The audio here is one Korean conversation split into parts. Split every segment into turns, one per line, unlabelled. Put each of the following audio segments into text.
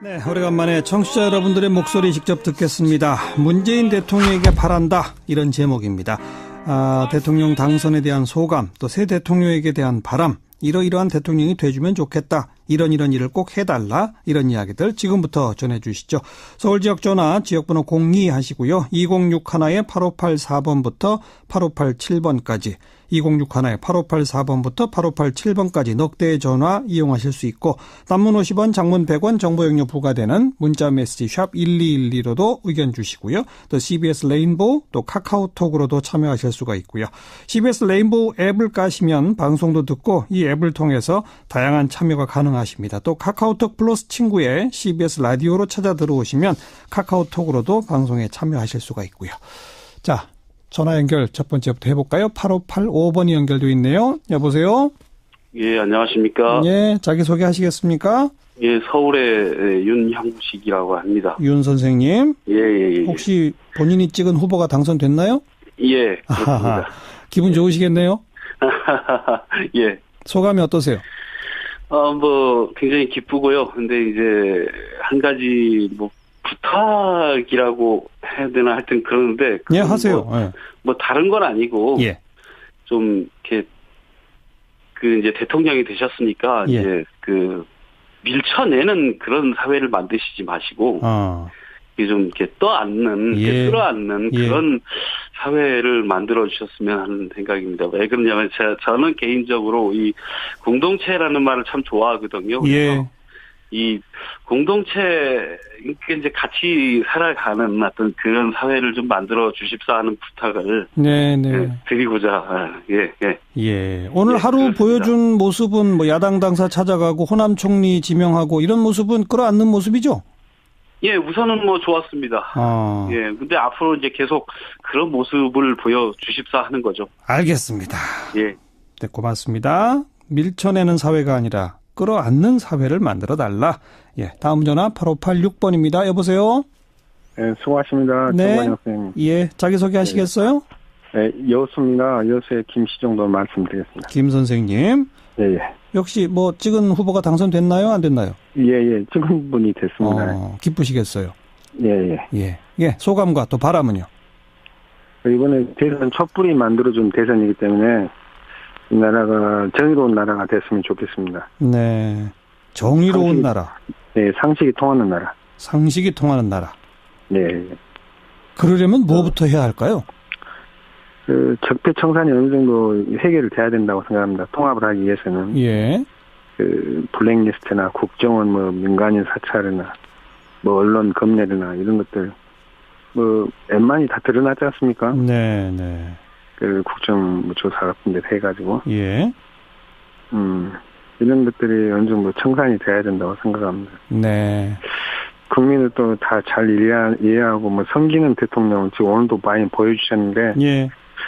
네, 오래간만에 청취자 여러분들의 목소리 직접 듣겠습니다. 문재인 대통령에게 바란다, 이런 제목입니다. 대통령 당선에 대한 소감, 또 새 대통령에게 대한 바람, 이러이러한 대통령이 돼주면 좋겠다, 이런 일을 꼭 해달라, 이런 이야기들 지금부터 전해주시죠. 서울지역 전화 지역번호 02 하시고요. 2061-8584번부터 8587번까지 2061-8584번부터 8587번까지 넉 대의 전화 이용하실 수 있고, 단문 50원, 장문 100원, 정보용료 부과되는 문자메시지 샵 1212로도 의견 주시고요. 또 CBS 레인보우, 또 카카오톡으로도 참여하실 수가 있고요. CBS 레인보우 앱을 까시면 방송도 듣고 이 앱을 통해서 다양한 참여가 가능하십니다. 또 카카오톡 플러스 친구에 CBS 라디오로 찾아 들어오시면 카카오톡으로도 방송에 참여하실 수가 있고요. 자, 전화 연결 첫 번째부터 해볼까요? 8585번이 연결되어 있네요. 여보세요?
예, 안녕하십니까?
예, 자기소개 하시겠습습니까?
예, 서울의 윤형식이라고 합니다.
윤 선생님?
예.
혹시 본인이 찍은 후보가 당선됐나요?
예, 그렇습니다.
기분 좋으시겠네요?
예.
소감이 어떠세요?
굉장히 기쁘고요. 근데 이제, 한 가지, 부탁이라고 해야 되나 하여튼 그러는데.
예, 하세요.
다른 건 아니고.
예.
좀, 이렇게, 이제 대통령이 되셨으니까.
예.
이제 밀쳐내는 그런 사회를 만드시지 마시고. 이게 좀 이렇게 떠안는,
예.
끌어안는
예.
그런 사회를 만들어 주셨으면 하는 생각입니다. 왜 그러냐면 저는 개인적으로 이 공동체라는 말을 참 좋아하거든요.
예.
이 공동체, 이제 같이 살아가는 어떤 그런 사회를 좀 만들어 주십사 하는 부탁을 드리고자, 예.
오늘 하루
그렇습니다.
보여준 모습은 야당 당사 찾아가고 호남 총리 지명하고 이런 모습은 끌어안는 모습이죠?
예, 우선은 좋았습니다. 예, 근데 앞으로 이제 계속 그런 모습을 보여주십사 하는 거죠.
알겠습니다.
예.
네, 고맙습니다. 밀쳐내는 사회가 아니라 끌어안는 사회를 만들어 달라. 예, 다음 전화 8586번입니다. 여보세요?
네, 수고하십니다.
네.
정관영 선생님.
예, 자기소개 하시겠어요?
네, 여수입니다. 여수의 김시정도 말씀드리겠습니다.
김 선생님.
예.
역시 찍은 후보가 당선됐나요? 안 됐나요?
예. 찍은 분이 됐습니다.
기쁘시겠어요?
예.
소감과 또 바람은요?
이번에 대선 촛불이 만들어준 대선이기 때문에 이 나라가 정의로운 나라가 됐으면 좋겠습니다.
네. 정의로운 나라.
네, 상식이 통하는 나라.
상식이 통하는 나라.
네.
그러려면 뭐부터 해야 할까요?
적폐청산이 어느 정도 해결을 돼야 된다고 생각합니다. 통합을 하기 위해서는.
예.
블랙리스트나 국정원, 민간인 사찰이나, 언론 검열이나 이런 것들, 웬만히 다 드러나지 않습니까?
네.
국정조사 같은 데 해가지고.
예.
이런 것들이 어느 정도 청산이 돼야 된다고 생각합니다.
네.
국민을 또 다 잘 이해하고, 섬기는 대통령은 지금 오늘도 많이 보여주셨는데,
예.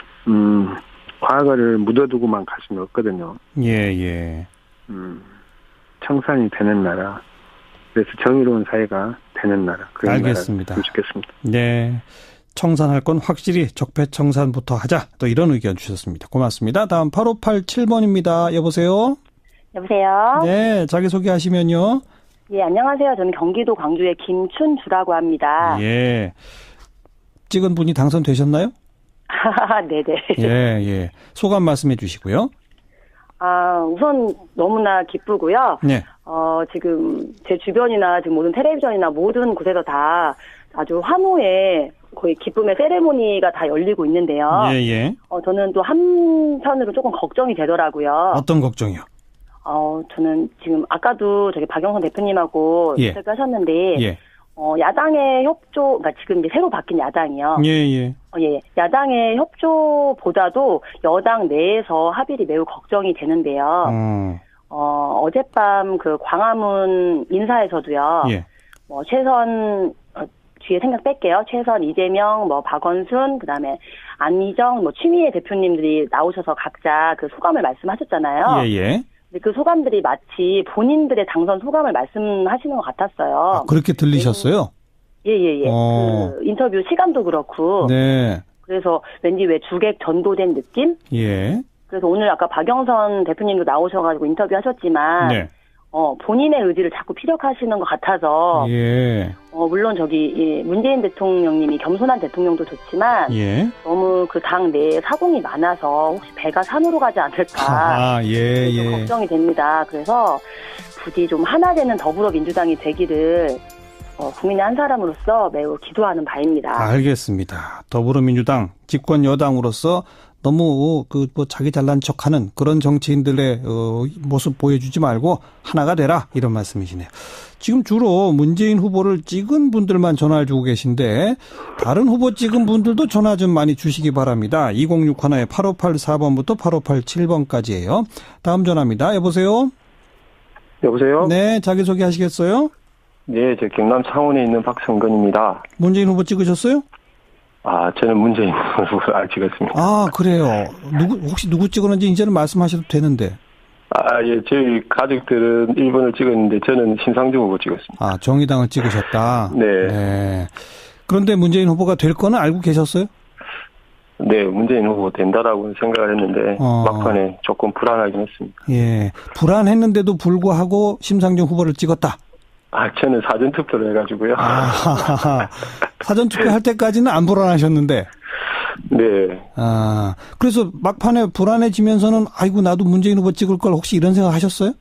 과거를 묻어두고만 갈 수는 없거든요.
예.
청산이 되는 나라. 그래서 정의로운 사회가 되는 나라. 그런
알겠습니다.
나라가 좋겠습니다.
네. 청산할 건 확실히 적폐청산부터 하자. 또 이런 의견 주셨습니다. 고맙습니다. 다음 8587번입니다. 여보세요?
여보세요?
네. 자기소개하시면요.
예, 안녕하세요. 저는 경기도 광주의 김춘주라고 합니다.
예. 찍은 분이 당선되셨나요?
네네.
예. 소감 말씀해 주시고요.
우선 너무나 기쁘고요.
네.
지금 제 주변이나 지금 모든 텔레비전이나 모든 곳에서 다 아주 환호의 거의 기쁨의 세레모니가 다 열리고 있는데요.
예.
저는 또 한편으로 조금 걱정이 되더라고요.
어떤 걱정이요?
저는 지금 아까도 저기 박영선 대표님하고
예.
인터뷰하셨는데,
예.
야당의 협조, 그러니까 지금 이제 새로 바뀐 야당이요.
예.
야당의 협조보다도 여당 내에서 합의를 매우 걱정이 되는데요. 어젯밤 광화문 인사에서도요.
예.
최선, 뒤에 생각 뺄게요. 최선, 이재명, 박원순, 그 다음에 안희정, 추미애 대표님들이 나오셔서 각자 그 소감을 말씀하셨잖아요.
예.
근데 그 소감들이 마치 본인들의 당선 소감을 말씀하시는 것 같았어요.
그렇게 들리셨어요?
예. 그 인터뷰 시간도 그렇고.
네.
그래서 왠지 왜 주객 전도된 느낌?
예.
그래서 오늘 아까 박영선 대표님도 나오셔가지고 인터뷰하셨지만.
네.
본인의 의지를 자꾸 피력하시는 것 같아서,
예.
물론 문재인 대통령님이 겸손한 대통령도 좋지만,
예.
너무 그 당 내에 사공이 많아서 혹시 배가 산으로 가지 않을까. 좀 걱정이 됩니다. 그래서 부디 좀 하나 되는 더불어민주당이 되기를, 국민의 한 사람으로서 매우 기도하는 바입니다.
알겠습니다. 더불어민주당 집권 여당으로서 너무 자기 잘난 척하는 그런 정치인들의 모습 보여주지 말고 하나가 되라 이런 말씀이시네요. 지금 주로 문재인 후보를 찍은 분들만 전화를 주고 계신데 다른 후보 찍은 분들도 전화 좀 많이 주시기 바랍니다. 2061에 8584번부터 8587번까지예요. 다음 전화입니다. 여보세요?
여보세요?
네, 자기소개 하시겠어요?
네, 저 경남 창원에 있는 박성근입니다.
문재인 후보 찍으셨어요?
저는 문재인 후보를 안 찍었습니다.
아, 그래요. 혹시 누구 찍었는지 이제는 말씀하셔도 되는데.
예, 저희 가족들은 1번을 찍었는데 저는 심상정 후보 찍었습니다.
아, 정의당을 찍으셨다?
네.
그런데 문재인 후보가 될 거는 알고 계셨어요?
네, 문재인 후보 된다라고 생각을 했는데 막판에 조금 불안하긴 했습니다.
예, 불안했는데도 불구하고 심상정 후보를 찍었다?
저는 사전투표를 해가지고요.
사전투표 할 때까지는 안 불안하셨는데?
네.
그래서 막판에 불안해지면서는 아이고 나도 문재인 후보 찍을 걸 혹시 이런 생각 하셨어요?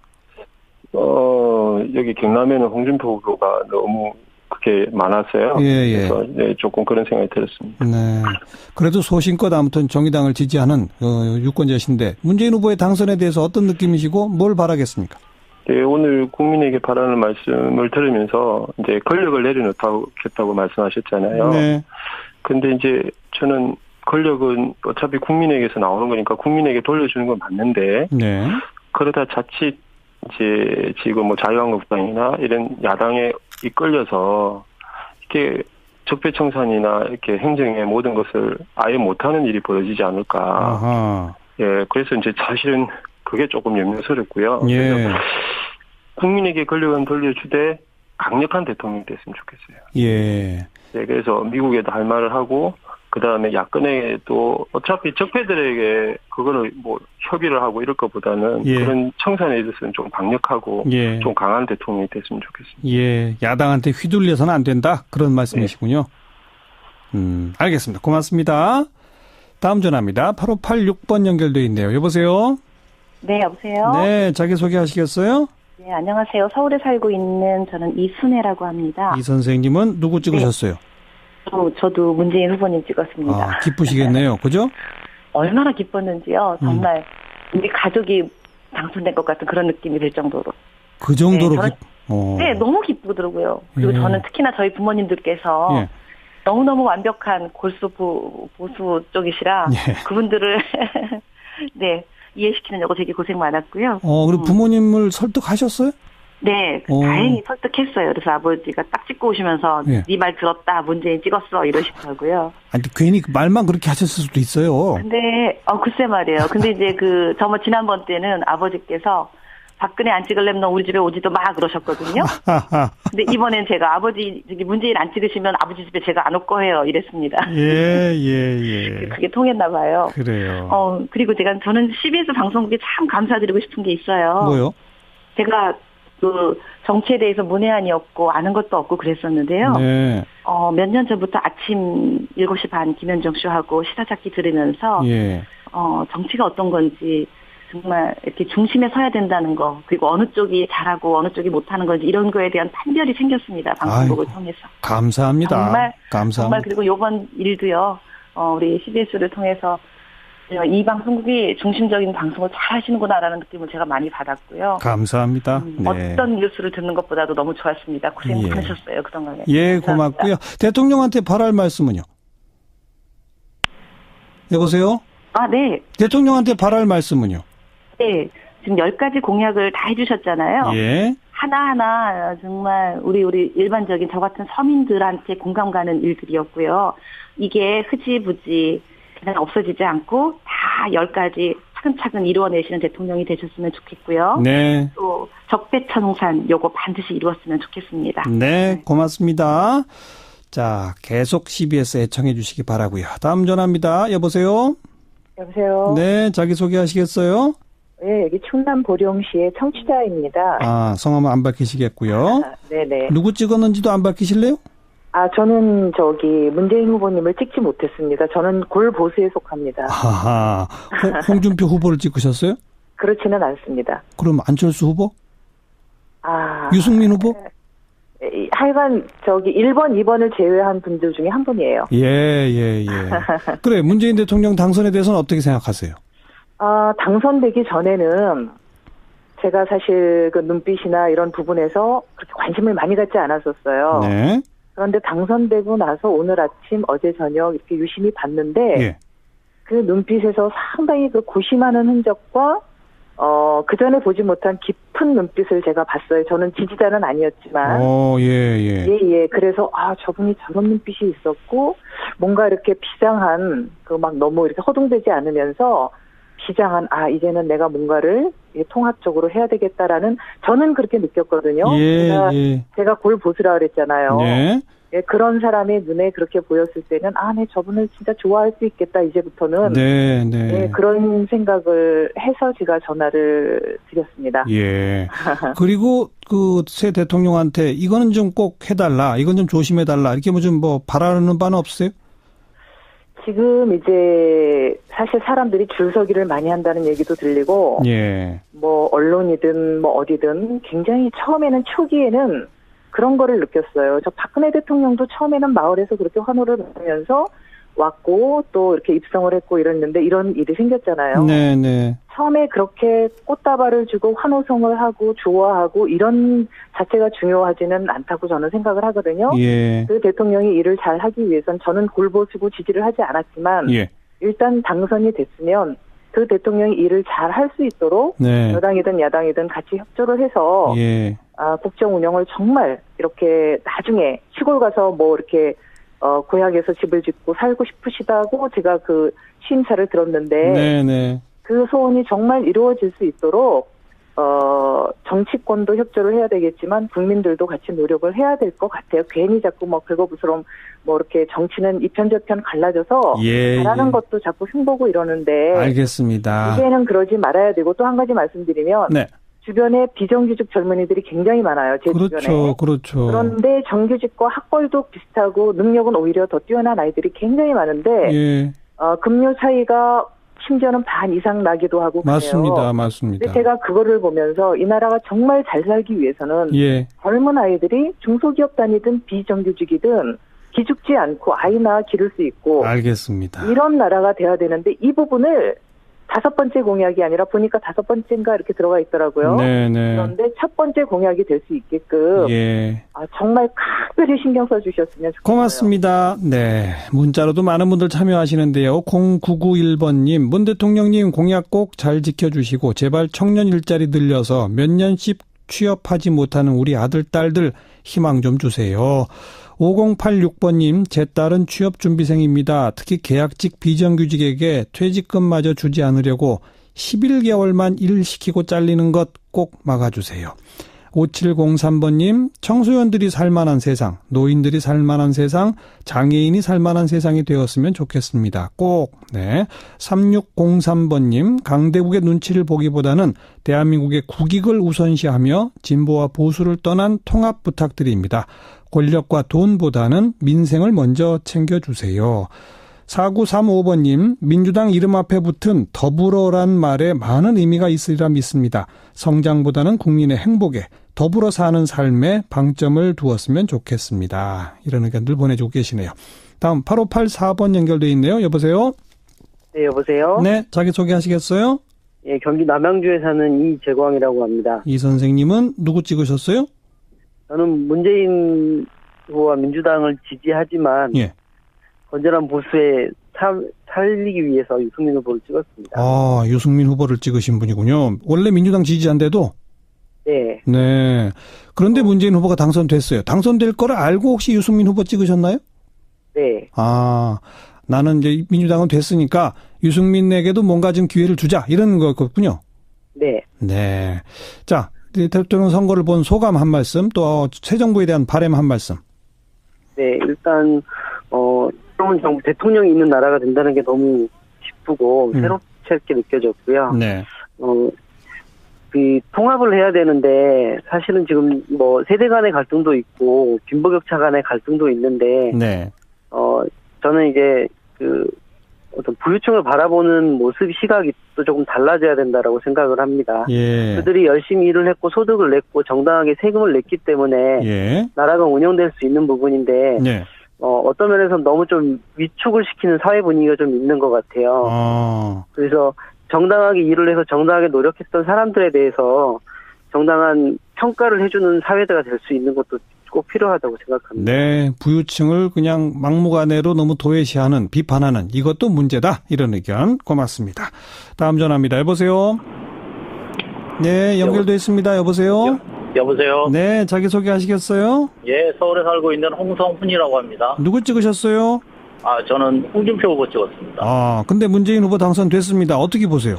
여기 경남에는 홍준표 후보가 너무 그렇게 많았어요.
예.
그래서 네, 조금 그런 생각이 들었습니다.
네. 그래도 소신껏 아무튼 정의당을 지지하는 유권자신데 문재인 후보의 당선에 대해서 어떤 느낌이시고 뭘 바라겠습니까?
네, 오늘 국민에게 바라는 말씀을 들으면서 이제 권력을 내려놓겠다고 말씀하셨잖아요.
네.
근데 이제 저는 권력은 어차피 국민에게서 나오는 거니까 국민에게 돌려주는 건 맞는데,
네.
그러다 자칫 이제 지금 자유한국당이나 이런 야당에 이끌려서 이렇게 적폐청산이나 이렇게 행정의 모든 것을 아예 못하는 일이 벌어지지 않을까.
아하.
예, 그래서 이제 사실은 그게 조금 염려스럽고요.
예.
그래서 국민에게 권력은 돌려주되 강력한 대통령이 됐으면 좋겠어요.
예.
네, 그래서 미국에도 할 말을 하고, 그 다음에 야권에도 어차피 적폐들에게 그거를 협의를 하고 이럴 것보다는 그런 청산에 있어서는 좀 강력하고 좀 강한 대통령이 됐으면 좋겠습니다.
예. 야당한테 휘둘려서는 안 된다. 그런 말씀이시군요. 네. 알겠습니다. 고맙습니다. 다음 전화입니다. 8586번 연결돼 있네요. 여보세요?
네, 여보세요?
네, 자기소개 하시겠어요?
네, 안녕하세요. 서울에 살고 있는 저는 이순혜라고 합니다.
이 선생님은 누구 찍으셨어요?
저도 문재인 후보님 찍었습니다.
기쁘시겠네요. 그죠?
얼마나 기뻤는지요. 정말 우리 가족이 당선된 것 같은 그런 느낌이 들 정도로.
그 정도로
네, 너무 기쁘더라고요. 그리고 저는 특히나 저희 부모님들께서 너무너무 완벽한 보수 쪽이시라 그분들을 네, 이해시키느냐고 되게 고생 많았고요.
그리고 부모님을 설득하셨어요?
네, 다행히 설득했어요. 그래서 아버지가 딱 찍고 오시면서 네 말 들었다, 문재인 찍었어 이러시더라고요.
아니 괜히 말만 그렇게 하셨을 수도 있어요.
근데 글쎄 말이에요. 근데 이제 지난번 때는 아버지께서 박근혜 안 찍을래면 너 우리 집에 오지도 마 그러셨거든요. 근데 이번엔 제가 문재인 안 찍으시면 아버지 집에 제가 안 올 거예요 이랬습니다.
예.
그게 통했나 봐요.
그래요.
그리고 저는 CBS 방송국에 참 감사드리고 싶은 게 있어요.
뭐요?
제가 정치에 대해서 문외한이었고 아는 것도 없고 그랬었는데요.
네.
몇 년 전부터 아침 7시 반 김현정 쇼하고 시사잡기 들으면서 정치가 어떤 건지 정말 이렇게 중심에 서야 된다는 거, 그리고 어느 쪽이 잘하고 어느 쪽이 못하는 건지 이런 거에 대한 판별이 생겼습니다. 방송국을 통해서.
감사합니다. 감사합니다.
정말 그리고 이번 일도요. 우리 CBS를 통해서 이 방송국이 중심적인 방송을 잘 하시는구나라는 느낌을 제가 많이 받았고요.
감사합니다.
어떤 뉴스를 듣는 것보다도 너무 좋았습니다. 고생 많으셨어요. 그동안에.
예, 고맙고요. 대통령한테 바랄 말씀은요? 여보세요?
네.
대통령한테 바랄 말씀은요?
네. 지금 10가지 공약을 다 해주셨잖아요.
예.
하나하나 정말 우리 일반적인 저 같은 서민들한테 공감 가는 일들이었고요. 이게 흐지부지 그냥 없어지지 않고 다 10가지 차근차근 이루어내시는 대통령이 되셨으면 좋겠고요.
네.
또 적폐청산 요거 반드시 이루었으면 좋겠습니다.
네, 고맙습니다. 자, 계속 CBS 애청해 주시기 바라고요. 다음 전화입니다. 여보세요?
여보세요?
네, 자기소개 하시겠어요?
네, 여기 충남 보령시의 청취자입니다.
아, 성함은 안 밝히시겠고요.
네네.
누구 찍었는지도 안 밝히실래요?
저는 문재인 후보님을 찍지 못했습니다. 저는 골보수에 속합니다.
하하. 홍준표 후보를 찍으셨어요?
그렇지는 않습니다.
그럼 안철수 후보? 유승민 후보?
하여간 1번, 2번을 제외한 분들 중에 한 분이에요.
예. 그래, 문재인 대통령 당선에 대해서는 어떻게 생각하세요?
당선되기 전에는 제가 사실 그 눈빛이나 이런 부분에서 그렇게 관심을 많이 갖지 않았었어요. 네. 그런데 당선되고 나서 오늘 아침, 어제 저녁 이렇게 유심히 봤는데, 예. 그 눈빛에서 상당히 그 고심하는 흔적과, 그 전에 보지 못한 깊은 눈빛을 제가 봤어요. 저는 지지자는 아니었지만. 예. 그래서, 저분이 저런 눈빛이 있었고, 뭔가 이렇게 비장한, 너무 이렇게 허둥대지 않으면서, 비장한, 이제는 내가 뭔가를 통합적으로 해야 되겠다라는, 저는 그렇게 느꼈거든요. 제가 골보수라 그랬잖아요. 예, 그런 사람의 눈에 그렇게 보였을 때는, 네, 저분을 진짜 좋아할 수 있겠다, 이제부터는. 네, 그런 생각을 해서 제가 전화를 드렸습니다.
예. 그리고 새 대통령한테 이거는 좀 꼭 해달라, 이건 좀 조심해달라, 이렇게 바라는 바는 없어요?
지금 이제 사실 사람들이 줄서기를 많이 한다는 얘기도 들리고, 언론이든 어디든 굉장히 처음에는 초기에는 그런 거를 느꼈어요. 저 박근혜 대통령도 처음에는 마을에서 그렇게 환호를 받으면서 왔고 또 이렇게 입성을 했고 이랬는데 이런 일이 생겼잖아요. 네네. 처음에 그렇게 꽃다발을 주고 환호성을 하고 좋아하고 이런 자체가 중요하지는 않다고 저는 생각을 하거든요. 예. 그 대통령이 일을 잘 하기 위해선 저는 골보수고 지지를 하지 않았지만 일단 당선이 됐으면 그 대통령이 일을 잘 할 수 있도록 여당이든 야당이든 같이 협조를 해서 국정 운영을 정말 이렇게 나중에 시골 가서 이렇게 고향에서 집을 짓고 살고 싶으시다고 제가 그 시임사를 들었는데 그 소원이 정말 이루어질 수 있도록 정치권도 협조를 해야 되겠지만 국민들도 같이 노력을 해야 될 것 같아요. 괜히 자꾸 긁어부스럼 이렇게 정치는 이편 저편 갈라져서 잘하는 것도 자꾸 흉보고 이러는데
알겠습니다.
이제는 그러지 말아야 되고 또 한 가지 말씀드리면 주변에 비정규직 젊은이들이 굉장히 많아요. 제 주변에. 그렇죠. 그런데 정규직과 학벌도 비슷하고 능력은 오히려 더 뛰어난 아이들이 굉장히 많은데 급료 차이가 심지어는 반 이상 나기도 하고 그래요.
맞습니다.
근데 제가 그거를 보면서 이 나라가 정말 잘 살기 위해서는 젊은 아이들이 중소기업 다니든 비정규직이든 기죽지 않고 아이나 기를 수 있고
알겠습니다.
이런 나라가 돼야 되는데 이 부분을 5번째 공약이 아니라 보니까 5번째인가 이렇게 들어가 있더라고요. 그런데 첫 번째 공약이 될 수 있게끔 정말 각별히 신경 써주셨으면 좋겠어요.
고맙습니다. 네, 문자로도 많은 분들 참여하시는데요. 0991번님, 문 대통령님 공약 꼭 잘 지켜주시고 제발 청년 일자리 늘려서 몇 년씩 취업하지 못하는 우리 아들, 딸들 희망 좀 주세요. 5086번님, 제 딸은 취업준비생입니다. 특히 계약직 비정규직에게 퇴직금마저 주지 않으려고 11개월만 일 시키고 잘리는 것 꼭 막아주세요. 5703번님, 청소년들이 살만한 세상, 노인들이 살만한 세상, 장애인이 살만한 세상이 되었으면 좋겠습니다. 꼭. 3603번님, 강대국의 눈치를 보기보다는 대한민국의 국익을 우선시하며 진보와 보수를 떠난 통합 부탁드립니다. 권력과 돈보다는 민생을 먼저 챙겨주세요. 4935번님, 민주당 이름 앞에 붙은 더불어란 말에 많은 의미가 있으리라 믿습니다. 성장보다는 국민의 행복에, 더불어 사는 삶에 방점을 두었으면 좋겠습니다. 이런 의견들 보내주고 계시네요. 다음 8584번 연결돼 있네요. 여보세요?
네, 여보세요?
네, 자기소개 하시겠어요?
예, 경기 남양주에 사는 이재광이라고 합니다.
이 선생님은 누구 찍으셨어요?
저는 문재인 후보와 민주당을 지지하지만 건전한 보수에 살리기 위해서 유승민 후보를 찍었습니다.
아, 유승민 후보를 찍으신 분이군요. 원래 민주당 지지자인데도? 네. 그런데 문재인 후보가 당선됐어요. 당선될 거를 알고 혹시 유승민 후보 찍으셨나요?
네.
아, 나는 이제 민주당은 됐으니까 유승민에게도 뭔가 좀 기회를 주자 이런 거였군요.
네.
자, 대통령 선거를 본 소감 한 말씀, 또 새 정부에 대한 바람 한 말씀.
네, 일단 새로운 정부 대통령이 있는 나라가 된다는 게 너무 기쁘고 새롭게 느껴졌고요. 그 통합을 해야 되는데 사실은 지금 뭐 세대 간의 갈등도 있고 빈부격차 간의 갈등도 있는데
네.
저는 이제 그 어떤 부유층을 바라보는 모습 시각이 또 조금 달라져야 된다라고 생각을 합니다.
예.
그들이 열심히 일을 했고 소득을 냈고 정당하게 세금을 냈기 때문에
예.
나라가 운영될 수 있는 부분인데
네.
어떤 면에서 너무 좀 위축을 시키는 사회 분위기가 좀 있는 것 같아요. 그래서 정당하게 일을 해서 정당하게 노력했던 사람들에 대해서 정당한 평가를 해주는 사회가 될 수 있는 것도 꼭 필요하다고 생각합니다.
네, 부유층을 그냥 막무가내로 너무 도외시하는, 비판하는 이것도 문제다. 이런 의견 고맙습니다. 다음 전화입니다. 여보세요? 네, 연결돼 있습니다. 여보세요?
여보세요?
네, 자기소개하시겠어요?
예, 서울에 살고 있는 홍성훈이라고 합니다.
누구 찍으셨어요?
저는 홍준표 후보 찍었습니다.
근데 문재인 후보 당선됐습니다. 어떻게 보세요?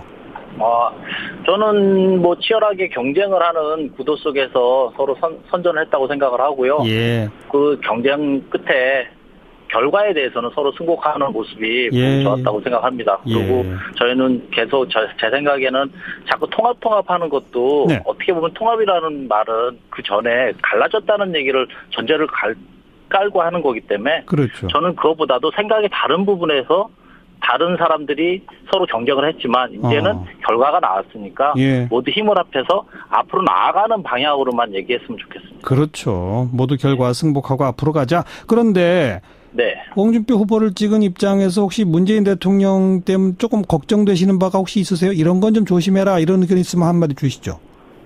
저는 뭐 치열하게 경쟁을 하는 구도 속에서 서로 선전을 했다고 생각을 하고요.
예.
그 경쟁 끝에 결과에 대해서는 서로 승복하는 모습이 좋았다고 생각합니다. 그리고 저희는 계속 제 생각에는 자꾸 통합하는 것도 네. 어떻게 보면 통합이라는 말은 그 전에 갈라졌다는 얘기를 전제를 깔고 하는 거기 때문에
그렇죠.
저는 그것보다도 생각이 다른 부분에서 다른 사람들이 서로 경쟁을 했지만 이제는 결과가 나왔으니까 모두 힘을 합해서 앞으로 나아가는 방향으로만 얘기했으면 좋겠습니다.
그렇죠. 모두 결과 승복하고 앞으로 가자. 그런데
네.
홍준표 후보를 찍은 입장에서 혹시 문재인 대통령 때문에 조금 걱정되시는 바가 혹시 있으세요? 이런 건 좀 조심해라 이런 의견 있으면 한마디 주시죠.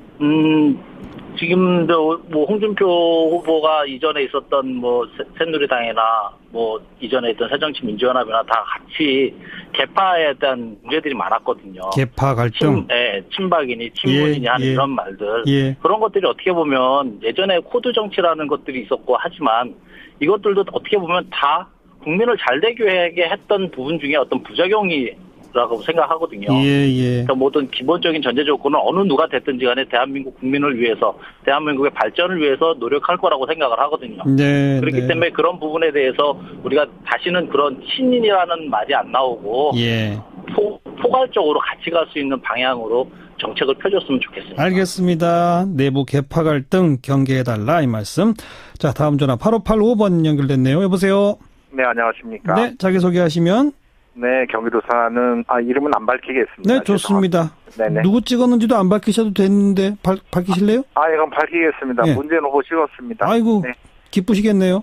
지금 뭐 홍준표 후보가 이전에 있었던 뭐 새누리당이나 뭐 이전에 있던 새정치민주연합이나 다 같이 개파에 대한 문제들이 많았거든요.
개파 갈등,
친박이니 친문이니 하는 이런 말들 그런 것들이 어떻게 보면 예전에 코드 정치라는 것들이 있었고 하지만 이것들도 어떻게 보면 다 국민을 잘 되게 했던 부분 중에 어떤 부작용이라고 생각하거든요. 그러니까 모든 기본적인 전제 조건은 어느 누가 됐든지 간에 대한민국 국민을 위해서 대한민국의 발전을 위해서 노력할 거라고 생각을 하거든요. 그렇기 때문에 그런 부분에 대해서 우리가 다시는 그런 친인이라는 말이 안 나오고 포괄적으로 같이 갈 수 있는 방향으로 정책을 펴줬으면 좋겠습니다.
알겠습니다. 내부 개파 갈등 경계해달라 이 말씀. 자, 다음 전화 8585번 연결됐네요. 여보세요?
네, 안녕하십니까?
네, 자기소개하시면.
네, 경기도 사는 이름은 안 밝히겠습니다.
네, 좋습니다.
네네.
누구 찍었는지도 안 밝히셔도 되는데 밝히실래요?
이건 밝히겠습니다. 네. 문재인 후보 찍었습니다.
아이고, 네. 기쁘시겠네요.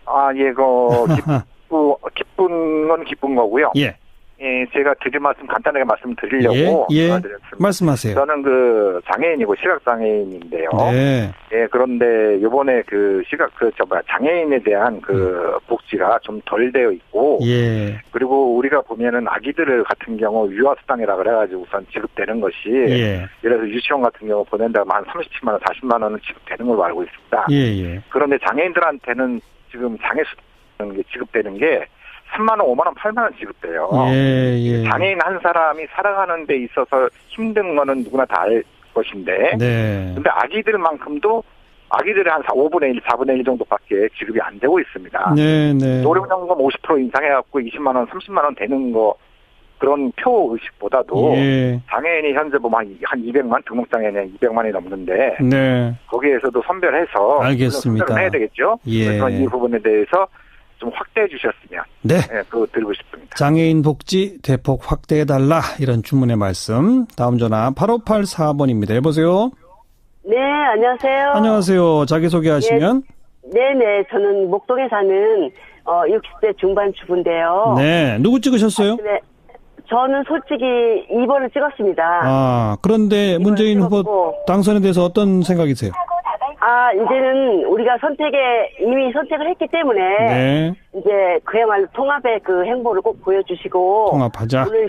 기쁜 건 기쁜 거고요. 제가 드릴 말씀 간단하게 말씀드리려고 전화드렸습니다.
말씀하세요.
저는 장애인이고 시각장애인인데요.
네.
그런데 이번에 장애인에 대한 복지가 좀 덜 되어 있고, 그리고 우리가 보면은 아기들 같은 경우 유아수당이라 그래가지고 우선 지급되는 것이, 예를 들어서 유치원 같은 경우 보낸다면 한 37만 원, 40만 원은 지급되는 걸로 알고 있습니다. 그런데 장애인들한테는 지금 장애수당 지급되는 게 3만 원, 5만 원, 8만 원 지급돼요. 장애인 한 사람이 살아가는 데 있어서 힘든 거는 누구나 다 알 것인데, 근데 아기들만큼도 아기들의 한 5분의 1, 4분의 1 정도밖에 지급이 안 되고 있습니다. 노령연금 50% 인상해갖고 20만 원, 30만 원 되는 거 그런 표 의식보다도 장애인이 현재 보면 한 200만, 등록장애인이 200만이 넘는데 거기에서도 선별해서
알겠습니다.
선별을 해야 되겠죠. 그래서 이 부분에 대해서 좀 확대해 주셨으면 그거 드리고 싶습니다.
장애인 복지 대폭 확대해달라 이런 주문의 말씀. 다음 전화 8584번입니다. 여보세요?
네, 안녕하세요.
안녕하세요. 자기소개하시면.
네네. 저는 목동에 사는 60대 중반 주부인데요.
네. 누구 찍으셨어요?
네. 저는 솔직히 2번을 찍었습니다.
그런데 문재인 후보 당선에 대해서 어떤 생각이세요?
이제는 우리가 이미 선택을 했기 때문에, 이제 그야말로 통합의 행보를 꼭 보여주시고,
통합하자.
오늘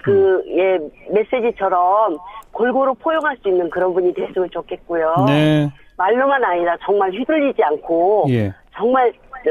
메시지처럼 골고루 포용할 수 있는 그런 분이 됐으면 좋겠고요. 말로만 아니라 정말 휘둘리지 않고, 정말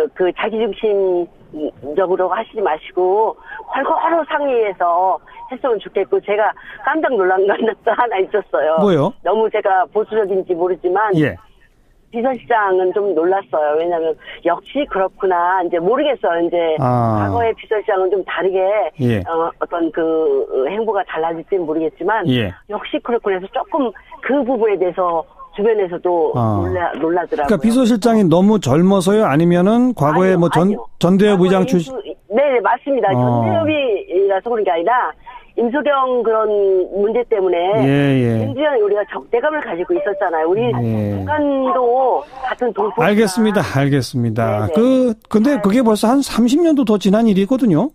자기중심적으로 하시지 마시고, 골고루 상의해서 했으면 좋겠고, 제가 깜짝 놀란 것도 하나 있었어요.
뭐요?
너무 제가 보수적인지 모르지만, 비서실장은 좀 놀랐어요. 왜냐하면 역시 그렇구나. 이제 모르겠어요. 이제 과거의 비서실장은 좀 다르게 예. 어떤 그 행보가 달라질지는 모르겠지만 예. 역시 그렇구나 해서 조금 그 부분에 대해서 주변에서도 놀라더라고요.
그러니까 비서실장이 너무 젊어서요? 아니면은 과거에
아니요,
뭐 전대협 의장 출신?
네, 맞습니다. 전대협이라서 그런 게 아니라 임소경 그런 문제 때문에 굉장히 우리가 적대감을 가지고 있었잖아요. 우리 북한도 같은 동포.
알겠습니다. 근데 그게 벌써 한 30년도 더 지난 일이거든요.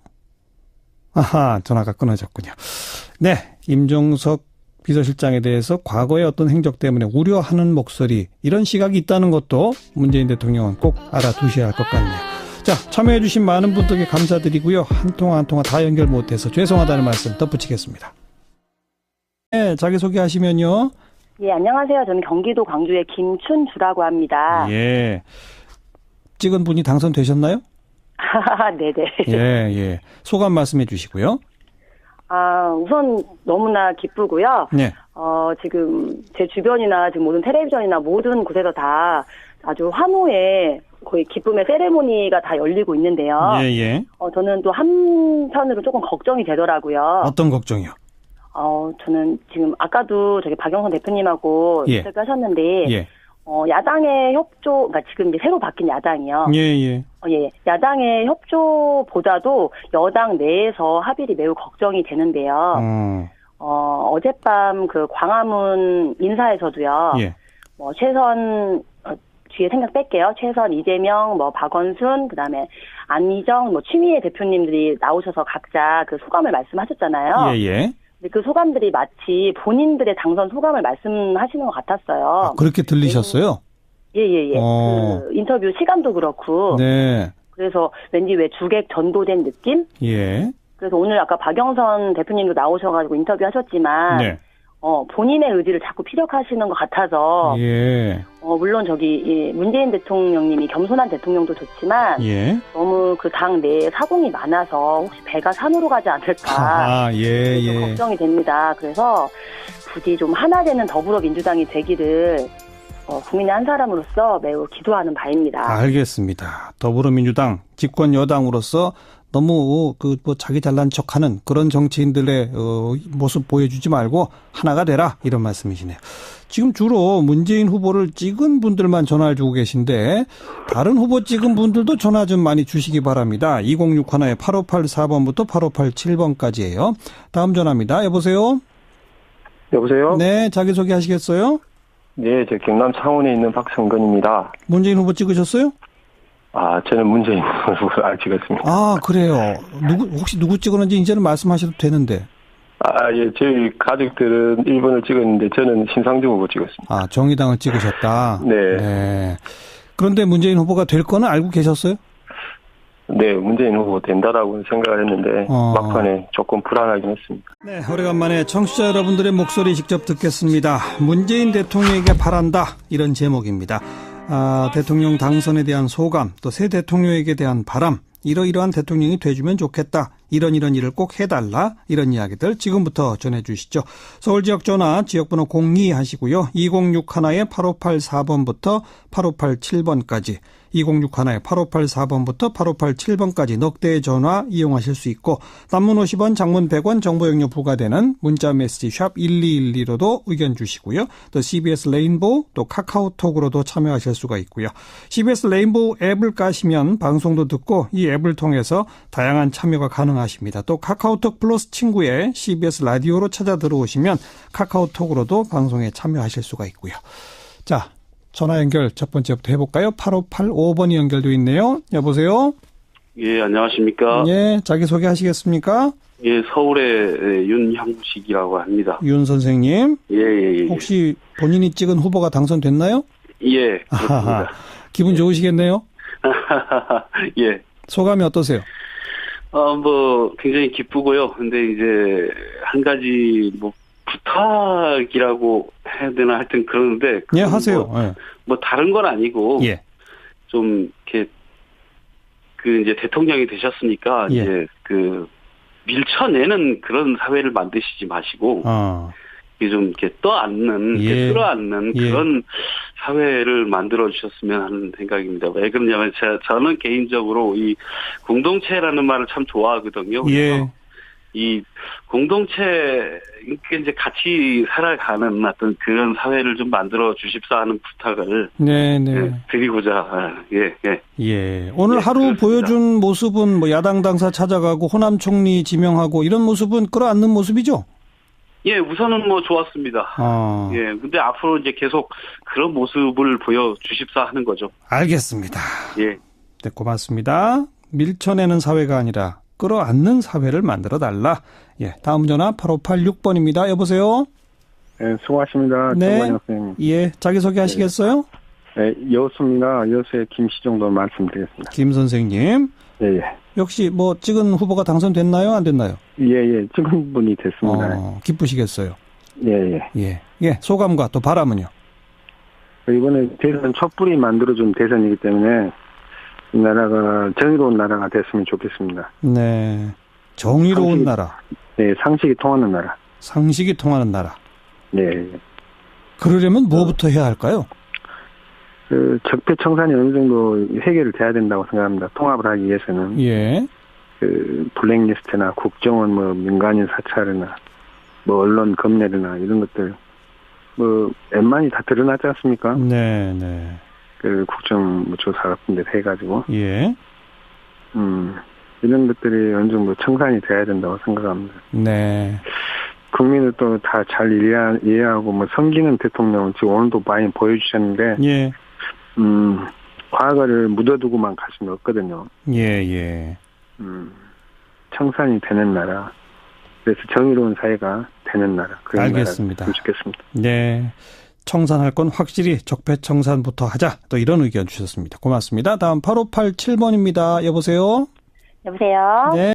아하, 전화가 끊어졌군요. 네, 임종석 비서실장에 대해서 과거의 어떤 행적 때문에 우려하는 목소리, 이런 시각이 있다는 것도 문재인 대통령은 꼭 알아두셔야 할 것 같네요. 자, 참여해 주신 많은 분들께 감사드리고요. 한 통화 다 연결 못해서 죄송하다는 말씀 덧붙이겠습니다. 네, 자기소개하시면요.
예, 안녕하세요. 저는 경기도 광주의 김춘주라고 합니다.
예. 찍은 분이 당선되셨나요?
네네.
예. 소감 말씀해 주시고요.
우선 너무나 기쁘고요.
네.
지금 제 주변이나 지금 모든 텔레비전이나 모든 곳에서 다 아주 환호의 거의 기쁨의 세레모니가 다 열리고 있는데요.
예.
저는 또 한편으로 조금 걱정이 되더라고요.
어떤 걱정이요?
저는 지금 아까도 저기 박영선 대표님하고 인터뷰 하셨는데, 야당의 협조, 그러니까 지금 이제 새로 바뀐 야당이요.
예.
야당의 협조보다도 여당 내에서 합의를 매우 걱정이 되는데요. 어젯밤 그 광화문 인사에서도요. 최선, 뒤에 생각 뺄게요. 최선, 이재명, 박원순, 그 다음에 안희정, 추미애 대표님들이 나오셔서 각자 그 소감을 말씀하셨잖아요.
예.
근데 그 소감들이 마치 본인들의 당선 소감을 말씀하시는 것 같았어요.
그렇게 들리셨어요?
예. 그 인터뷰 시간도 그렇고.
네.
그래서 왠지 왜 주객 전도된 느낌?
예.
그래서 오늘 아까 박영선 대표님도 나오셔가지고 인터뷰 하셨지만.
네.
본인의 의지를 자꾸 피력하시는 것 같아서. 물론 문재인 대통령님이 겸손한 대통령도 좋지만. 너무 그 당 내에 사공이 많아서 혹시 배가 산으로 가지 않을까. 좀 걱정이 됩니다. 그래서 부디 좀 하나 되는 더불어민주당이 되기를 국민의 한 사람으로서 매우 기도하는 바입니다.
알겠습니다. 더불어민주당 집권 여당으로서 너무 자기 잘난 척하는 그런 정치인들의 모습 보여주지 말고 하나가 되라, 이런 말씀이시네요. 지금 주로 문재인 후보를 찍은 분들만 전화를 주고 계신데 다른 후보 찍은 분들도 전화 좀 많이 주시기 바랍니다. 2061에 8584번부터 8587번까지예요. 다음 전화입니다. 여보세요?
여보세요?
네, 자기소개 하시겠어요?
네, 저 경남 창원에 있는 박성근입니다.
문재인 후보 찍으셨어요?
저는 문재인 후보를 안 찍었습니다.
그래요. 혹시 누구 찍었는지 이제는 말씀하셔도 되는데.
예, 저희 가족들은 1번을 찍었는데 저는 신상중 후보 찍었습니다.
정의당을 찍으셨다?
네.
그런데 문재인 후보가 될 거는 알고 계셨어요?
네, 문재인 후보 된다라고 생각을 했는데 막판에 조금 불안하긴 했습니다.
네, 오래간만에 청취자 여러분들의 목소리 직접 듣겠습니다. 문재인 대통령에게 바란다, 이런 제목입니다. 대통령 당선에 대한 소감, 또 새 대통령에게 대한 바람, 이러이러한 대통령이 돼주면 좋겠다, 이런 일을 꼭 해달라, 이런 이야기들 지금부터 전해주시죠. 서울 지역 전화 지역번호 02 하시고요. 2061에 8584번부터 8587번까지 2061에 8584번부터 8587번까지 넉 대의 전화 이용하실 수 있고, 단문 50원, 장문 100원, 정보용료 부과되는 문자 메시지 샵 1212로도 의견 주시고요. 또 CBS 레인보우, 또 카카오톡으로도 참여하실 수가 있고요. CBS 레인보우 앱을 까시면 방송도 듣고 이 앱을 통해서 다양한 참여가 가능하십니다. 또 카카오톡 플러스 친구에 CBS 라디오로 찾아 들어오시면 카카오톡으로도 방송에 참여하실 수가 있고요. 자, 전화 연결 첫 번째부터 해볼까요? 8585번이 연결되어 있네요. 여보세요?
예, 안녕하십니까?
예, 자기소개 하시겠습니까?
예, 서울의 윤형식이라고 합니다.
윤 선생님?
예.
혹시 본인이 찍은 후보가 당선됐나요?
예, 그렇습니다.
기분 좋으시겠네요?
예.
소감이 어떠세요?
굉장히 기쁘고요. 근데 이제 한 가지 부탁이라고 해야 되나, 하여튼 그러는데.
예, 하세요.
다른 건 아니고.
예.
좀, 이렇게, 이제 대통령이 되셨으니까, 이제 밀쳐내는 그런 사회를 만드시지 마시고, 좀 이렇게 떠안는, 이렇게 끌어안는 그런 사회를 만들어 주셨으면 하는 생각입니다. 왜 그러냐면 저는 개인적으로 이 공동체라는 말을 참 좋아하거든요. 이 공동체, 이제 같이 살아가는 어떤 그런 사회를 좀 만들어 주십사 하는 부탁을 드리고자,
오늘 하루 보여준 모습은 뭐 야당 당사 찾아가고 호남 총리 지명하고 이런 모습은 끌어안는 모습이죠?
우선은 뭐 좋았습니다. 근데 앞으로 이제 계속 그런 모습을 보여주십사 하는 거죠.
알겠습니다. 네, 고맙습니다. 밀쳐내는 사회가 아니라 끌어안는 사회를 만들어달라. 다음 전화 8586번입니다. 여보세요?
네, 수고하십니다.
네. 자기소개 하시겠어요?
네, 여수입니다. 여수의 김시정도 말씀드리겠습니다.
김 선생님. 역시 뭐 찍은 후보가 당선됐나요? 안 됐나요?
찍은 분이 됐습니다.
기쁘시겠어요? 소감과 또 바람은요?
이번에 대선 촛불이 만들어준 대선이기 때문에 이 나라가 정의로운 나라가 됐으면 좋겠습니다.
네. 정의로운 나라.
네, 상식이 통하는 나라.
상식이 통하는 나라.
네.
그러려면 뭐부터 해야 할까요?
적폐청산이 어느 정도 해결이 돼야 된다고 생각합니다. 통합을 하기 위해서는. 블랙리스트나 국정원, 민간인 사찰이나, 언론 검열이나 이런 것들, 웬만히 다 드러나지 않습니까?
네.
국정조사 같은 데 해가지고. 이런 것들이 어느 정도 청산이 돼야 된다고 생각합니다.
네.
국민을 또 다 잘 이해하고, 섬기는 대통령, 지금 오늘도 많이 보여주셨는데, 과거를 묻어두고만 갈 수는 없거든요. 청산이 되는 나라. 그래서 정의로운 사회가 되는 나라.
알겠습니다.
좋겠습니다.
네. 청산할 건 확실히 적폐청산부터 하자. 또 이런 의견 주셨습니다. 고맙습니다. 다음 8587번입니다. 여보세요?
여보세요?
네.